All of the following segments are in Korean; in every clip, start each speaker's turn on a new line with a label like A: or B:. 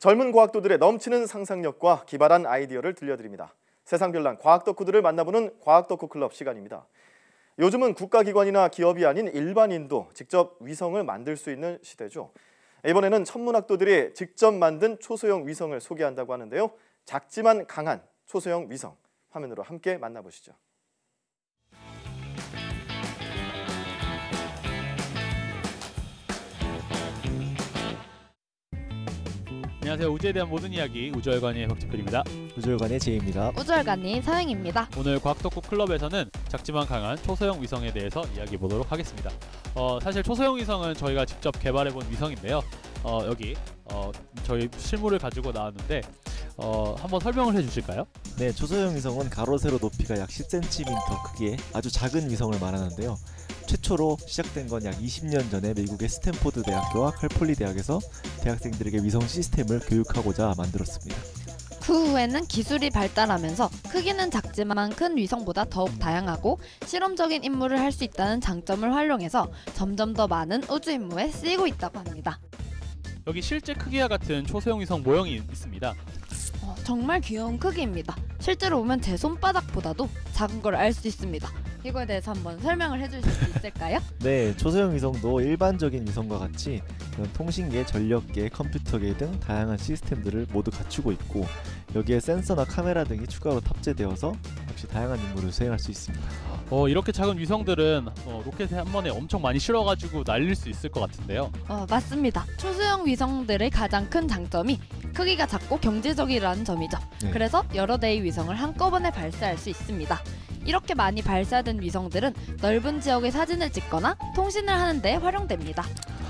A: 젊은 과학도들의 넘치는 상상력과 기발한 아이디어를 들려드립니다. 세상별난 과학 덕후들을 만나보는 과학 덕후 클럽 시간입니다. 요즘은 국가기관이나 기업이 아닌 일반인도 직접 위성을 만들 수 있는 시대죠. 이번에는 천문학도들이 직접 만든 초소형 위성을 소개한다고 하는데요. 작지만 강한 초소형 위성, 화면으로 함께 만나보시죠.
B: 안녕하세요. 우주에 대한 모든 이야기 우주열관의 박지필입니다.
C: 우주열관의 제이입니다.
D: 우주열관님 서영입니다.
B: 오늘 과학덕후 클럽에서는 작지만 강한 초소형 위성에 대해서 이야기해 보도록 하겠습니다. 사실 초소형 위성은 저희가 직접 개발해본 위성인데요. 여기 저희 실물을 가지고 나왔는데 한번 설명을 해주실까요?
C: 네, 초소형 위성은 가로 세로 높이가 약 10cm 크기의 아주 작은 위성을 말하는데요. 최초로 시작된 건 약 20년 전에 미국의 스탠포드 대학교와 캘폴리 대학에서 대학생들에게 위성 시스템을 교육하고자 만들었습니다.
D: 그 후에는 기술이 발달하면서 크기는 작지만 큰 위성보다 더욱 다양하고 실험적인 임무를 할 수 있다는 장점을 활용해서 점점 더 많은 우주 임무에 쓰이고 있다고 합니다.
B: 여기 실제 크기와 같은 초소형 위성 모형이 있습니다.
D: 정말 귀여운 크기입니다. 실제로 보면 제 손바닥보다도 작은 걸 알 수 있습니다. 이거에 대해서 한번 설명을 해주실 수 있을까요?
C: 네, 초소형 위성도 일반적인 위성과 같이 그런 통신계, 전력계, 컴퓨터계 등 다양한 시스템들을 모두 갖추고 있고 여기에 센서나 카메라 등이 추가로 탑재되어서 역시 다양한 임무를 수행할 수 있습니다.
B: 이렇게 작은 위성들은 로켓에 한 번에 엄청 많이 실어가지고 날릴 수 있을 것 같은데요.
D: 맞습니다. 초소형 위성들의 가장 큰 장점이 크기가 작고 경제적이라는 점이죠.
C: 네.
D: 그래서 여러 대의 위성을 한꺼번에 발사할 수 있습니다. 이렇게 많이 발사된 위성들은 넓은 지역의 사진을 찍거나 통신을 하는 데 활용됩니다.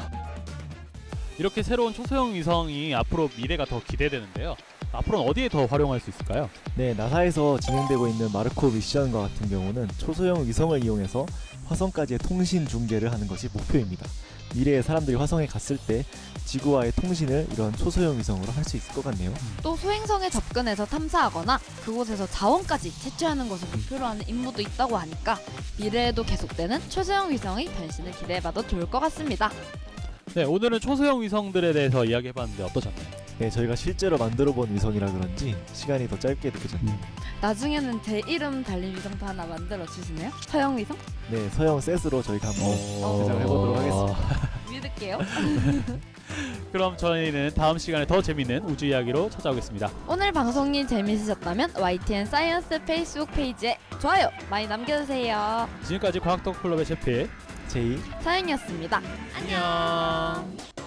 B: 이렇게 새로운 초소형 위성이 앞으로 미래가 더 기대되는데요. 앞으로는 어디에 더 활용할 수 있을까요?
C: 네, 나사에서 진행되고 있는 마르코 미션과 같은 경우는 초소형 위성을 이용해서 화성까지의 통신 중계를 하는 것이 목표입니다. 미래에 사람들이 화성에 갔을 때 지구와의 통신을 이런 초소형 위성으로 할 수 있을 것 같네요.
D: 또 소행성에 접근해서 탐사하거나 그곳에서 자원까지 채취하는 것을 목표로 하는 임무도 있다고 하니까 미래에도 계속되는 초소형 위성의 변신을 기대해봐도 좋을 것 같습니다.
B: 네, 오늘은 초소형 위성들에 대해서 이야기해봤는데 어떠셨나요?
C: 네, 저희가 실제로 만들어본 위성이라 그런지 시간이 더 짧게 느껴졌네요.
D: 나중에는 제 이름 달린 위성도 하나 만들어 주시나요? 서형 위성?
C: 네, 서형 셋으로 저희가 한번 제작을 해보도록 하겠습니다.
D: 믿을게요.
B: 그럼 저희는 다음 시간에 더 재밌는 우주 이야기로 찾아오겠습니다.
D: 오늘 방송이 재밌으셨다면 YTN 사이언스 페이스북 페이지에 좋아요 많이 남겨주세요.
B: 지금까지 과학덕후 클럽의 제필,
C: 제이,
D: 서영이었습니다. 안녕.